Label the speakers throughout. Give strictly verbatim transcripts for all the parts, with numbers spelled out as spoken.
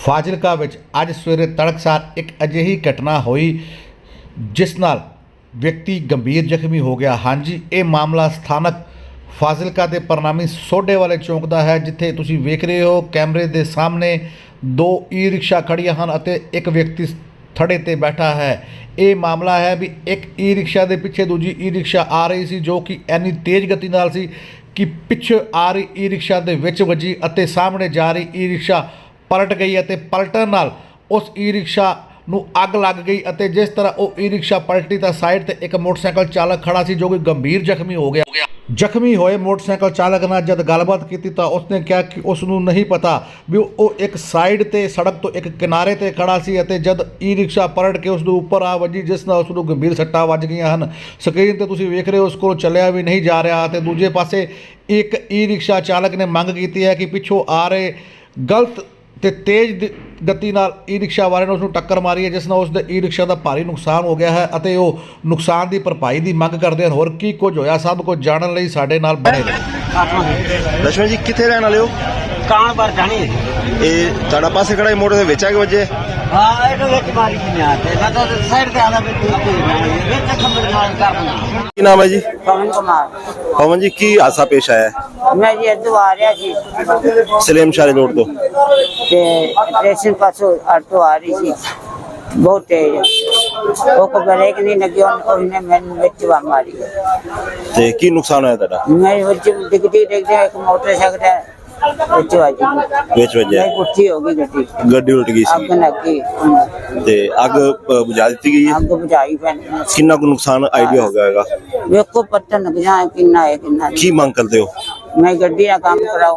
Speaker 1: ਫਾਜ਼ਿਲਕਾ ਵਿੱਚ ਅੱਜ ਸਵੇਰੇ ਤੜਕਸਾਰ ਇੱਕ ਅਜਿਹੀ ਘਟਨਾ ਹੋਈ ਜਿਸ ਨਾਲ ਵਿਅਕਤੀ ਗੰਭੀਰ ਜ਼ਖਮੀ ਹੋ ਗਿਆ। ਹਾਂਜੀ, ਇਹ ਮਾਮਲਾ ਸਥਾਨਕ ਫਾਜ਼ਿਲਕਾ ਦੇ ਪ੍ਰਨਾਮੀ ਸੋਢੇ ਵਾਲੇ ਚੌਂਕ ਦਾ ਹੈ, ਜਿੱਥੇ ਤੁਸੀਂ ਵੇਖ ਰਹੇ ਹੋ ਕੈਮਰੇ ਦੇ ਸਾਹਮਣੇ ਦੋ ਈ ਰਿਕਸ਼ਾ ਖੜੀਆਂ ਹਨ ਅਤੇ ਇੱਕ ਵਿਅਕਤੀ ਥੜੇ ਤੇ ਬੈਠਾ ਹੈ। ਇਹ ਮਾਮਲਾ ਹੈ ਵੀ ਇੱਕ ਈ ਰਿਕਸ਼ਾ ਦੇ ਪਿੱਛੇ ਦੂਜੀ ਈ ਰਿਕਸ਼ਾ ਆ ਰਹੀ ਸੀ, ਜੋ ਕਿ ਇੰਨੀ ਤੇਜ਼ ਗਤੀ ਨਾਲ ਸੀ ਕਿ ਪਿੱਛੇ ਆ ਰਹੀ ਈ ਰਿਕਸ਼ਾ ਦੇ ਵਿੱਚ ਵੱਜੀ ਅਤੇ ਸਾਹਮਣੇ ਜਾ ਰਹੀ ਈ ਰਿਕਸ਼ਾ ਪਲਟ ਗਈ ਅਤੇ ਪਲਟਣ ਨਾਲ ਉਸ ਈ ਰਿਕਸ਼ਾ ਨੂੰ ਅੱਗ ਲੱਗ ਗਈ ਅਤੇ ਜਿਸ ਤਰ੍ਹਾਂ ਉਹ ਈ ਰਿਕਸ਼ਾ ਪਲਟੀ ਤਾਂ ਸਾਈਡ ਤੇ ਇੱਕ ਮੋਟਰਸਾਈਕਲ ਚਾਲਕ ਖੜਾ ਸੀ, ਜੋ ਕਿ ਗੰਭੀਰ ਜ਼ਖਮੀ ਹੋ ਗਿਆ। ਜ਼ਖਮੀ ਹੋਏ ਮੋਟਰਸਾਈਕਲ ਚਾਲਕ ਨਾਲ ਜਦ ਗੱਲਬਾਤ ਕੀਤੀ ਤਾਂ ਉਸਨੇ ਕਿਹਾ ਕਿ ਉਸ ਨੂੰ ਨਹੀਂ ਪਤਾ ਵੀ ਉਹ ਇੱਕ ਸਾਈਡ ਤੇ ਸੜਕ ਤੋਂ ਇੱਕ ਕਿਨਾਰੇ ਤੇ ਖੜਾ ਸੀ ਅਤੇ ਜਦ ਈ ਰਿਕਸ਼ਾ ਪਲਟ ਕੇ ਉਸ ਦੇ ਉੱਪਰ ਆ ਵੱਜੀ, ਜਿਸ ਨਾਲ ਉਸ ਨੂੰ ਗੰਭੀਰ ਸੱਟਾਂ ਵੱਜ ਗਈਆਂ ਹਨ। ਸਕਰੀਨ ਤੇ ਤੁਸੀਂ ਵੇਖ ਰਹੇ ਹੋ ਉਸ ਕੋਲ ਚੱਲਿਆ ਵੀ ਨਹੀਂ ਜਾ ਰਿਹਾ ਅਤੇ ਦੂਜੇ ਪਾਸੇ ਇੱਕ ਈ ਰਿਕਸ਼ਾ ਚਾਲਕ ਨੇ ਮੰਗ ਕੀਤੀ ਹੈ ਕਿ ਪਿੱਛੋਂ ਆ ਰਹੇ ਗਲਤ ਤੇ ਤੇਜ਼ ਗਤੀ ਨਾਲ ਈ ਰਿਕਸ਼ਾ ਵਾਲੇ ਨੇ ਉਸ ਨੂੰ ਟੱਕਰ ਮਾਰੀ ਹੈ, ਜਿਸ ਨਾਲ ਉਸ ਦੇ ਈ ਰਿਕਸ਼ਾ ਦਾ ਭਾਰੀ ਨੁਕਸਾਨ ਹੋ ਗਿਆ ਹੈ ਅਤੇ ਉਹ ਨੁਕਸਾਨ ਦੀ ਭਰਪਾਈ ਦੀ ਮੰਗ ਕਰਦੇ ਹਨ। ਹੋਰ ਕੀ ਕੁਝ ਹੋਇਆ ਸਭ ਕੁਝ ਜਾਣਨ ਲਈ ਸਾਡੇ ਨਾਲ ਬਣੇ ਰਹੋ।
Speaker 2: ਲక్ష్మణ ਜੀ ਕਿੱਥੇ ਰਹਿਣ ਵਾਲੇ ਹੋ?
Speaker 3: ਕਾਣ ਪਰ ਜਾਣੀ
Speaker 2: ਇਹ ਤੁਹਾਡਾ ਪਾਸੇ ਖੜਾ ਮੋਟਰ ਦੇ ਵਿੱਚ ਆ ਕੇ ਵੱਜੇ?
Speaker 3: ਹਾਂ, ਇਹਦੇ ਵਿੱਚ ਮਾਰੀ ਨਹੀਂ ਆ ਤੇ ਮੈਂ ਤਾਂ ਸਾਈਡ ਤੇ ਆਦਾ ਵੀ ਵਿੱਚ ਖੰਭੇ ਨਾਲ ਕਰਨਾ।
Speaker 2: ਕੀ ਨਾਮ ਹੈ ਜੀ?
Speaker 3: ਪਵਨ ਕੁਮਾਰ।
Speaker 2: ਪਵਨ ਜੀ, ਕੀ ਹਾਦਸਾ ਪੇਸ਼ ਆਇਆ ਹੈ?
Speaker 3: ਮੈਂ ਜੀ ਇੱਧਰੋਂ ਆ ਰਿਹਾ ਸੀ
Speaker 2: ਸਲੇਮ ਸ਼ਾਹੀ ਰੋਡ ਤੋਂ
Speaker 3: ਤੇ ਸਟੇਸ਼ਨ ਪਾਸੋਂ ਆਟੋ ਆ ਰਹੀ ਸੀ ਬਹੁਤ ਤੇਜ਼, ਉਹ ਕੋ ਬ੍ਰੇਕ ਨਹੀਂ ਲੱਗੀ, ਉਹਨੇ ਮੈਨੂੰ ਵਿੱਚ ਵਾ ਮਾਰੀ।
Speaker 2: ਤੇ ਕੀ ਨੁਕਸਾਨ ਹੋਇਆ ਤੁਹਾਡਾ?
Speaker 3: ਮੈਂ ਵਿੱਚ ਡਿੱਗਦੀ ਡਿੱਗਦੀ ਇੱਕ ਮੋਟਰਸਾਈਕਲ ਵਿੱਚ ਵੱਜੀ,
Speaker 2: ਵਿੱਚ ਵੱਜਿਆ?
Speaker 3: ਪੁੱਠੀ ਹੋ ਗਈ ਗੱਡੀ,
Speaker 2: ਗੱਡੀ ਉਲਟ ਗਈ
Speaker 3: ਅੱਗ
Speaker 2: ਸੀ
Speaker 3: ਲੱਗੀ
Speaker 2: ਤੇ ਅੱਗ ਅ, ਬੁਝਾ ਦਿੱਤੀ ਗਈ ਹੈ?
Speaker 3: ਅੱਗ ਬੁਝਾਈ ਪੈਣੀ।
Speaker 2: ਕਿੰਨਾ ਕੁ ਨੁਕਸਾਨ ਆਈਡੀਆ ਹੋ ਗਿਆ ਹੋਵੇਗਾ?
Speaker 3: ਵੇਖੋ ਪਤਾ ਲੱਗ ਜਾਏ ਕਿੰਨਾ ਹੈ ਕਿੰਨਾ ਨਹੀਂ।
Speaker 2: ਕੀ ਮੰਗ ਕਰਦੇ ਹੋ?
Speaker 3: ਮੈਂ ਗੱਡੀ ਦਾ ਕੰਮ ਕਰਾਉ।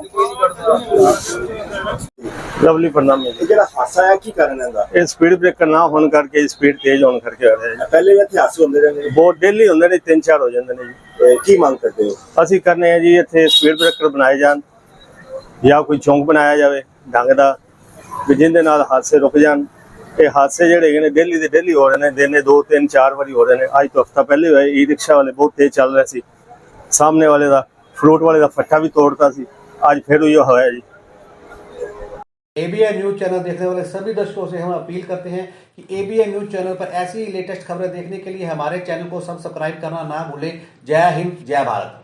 Speaker 4: ਲਵਲੀ ਪ੍ਰਣਾਮ।
Speaker 2: ਇਹ ਜਿਹੜਾ ਹਾਦਸਾ ਹੈ ਕੀ ਕਾਰਨ ਇਹਦਾ?
Speaker 4: ਇਹ ਸਪੀਡ ਬ੍ਰੇਕਰ ਨਾ ਹੋਣ ਕਰਕੇ, ਸਪੀਡ ਤੇਜ਼ ਹੋਣ ਕਰਕੇ ਹੋ ਰਿਹਾ ਹੈ।
Speaker 2: ਪਹਿਲੇ ਵੀ ਇੱਥੇ ਹਾਦਸੇ ਹੁੰਦੇ ਰਹਿੰਦੇ ਨੇ?
Speaker 4: ਬਹੁਤ ਡੇਲੀ ਹੁੰਦੇ ਨੇ, ਤਿੰਨ ਚਾਰ ਹੋ ਜਾਂਦੇ ਨੇ ਜੀ।
Speaker 2: ਤੇ ਕੀ ਮੰਗ ਕਰਦੇ ਹੋ?
Speaker 4: ਅਸੀਂ ਕਰਨੇ ਆ ਜੀ ਇੱਥੇ ਸਪੀਡ ਬ੍ਰੇਕਰ ਬਣਾਏ ਜਾਣ ਜਾਂ ਕੋਈ ਚੌਂਕ ਬਣਾਇਆ ਜਾਵੇ ਢੰਗ ਦਾ, ਵੀ ਜਿਹਦੇ ਨਾਲ ਹਾਦਸੇ ਰੁਕ ਜਾਣ। ਇਹ ਹਾਦਸੇ ਜਿਹੜੇ ਹੈਗੇ ਨੇ ਡੇਲੀ ਦੇ ਡੇਲੀ ਹੋ ਰਹੇ ਨੇ, ਦਿਨੇ ਦੋ ਤਿੰਨ ਚਾਰ ਵਾਰੀ ਹੋ ਰਹੇ ਨੇ। ਅੱਜ ਤੋਂ ਹਫ਼ਤਾ ਪਹਿਲੇ ਹੋਏ, ਈ ਰਿਕਸ਼ਾ ਵਾਲੇ ਬਹੁਤ ਤੇਜ਼ ਚੱਲ ਰਹੇ ਸੀ, ਸਾਹਮਣੇ ਵਾਲੇ ਦਾ फ्रूट वाले का फट्टा भी तोड़ता सी, आज फिर ये होया जी।
Speaker 1: एबीएन न्यूज चैनल देखने वाले सभी दर्शकों से हम अपील करते हैं कि एबीएन न्यूज चैनल पर ऐसी लेटेस्ट खबरें देखने के लिए हमारे चैनल को सब्सक्राइब करना ना भूलें। जय हिंद, जय भारत।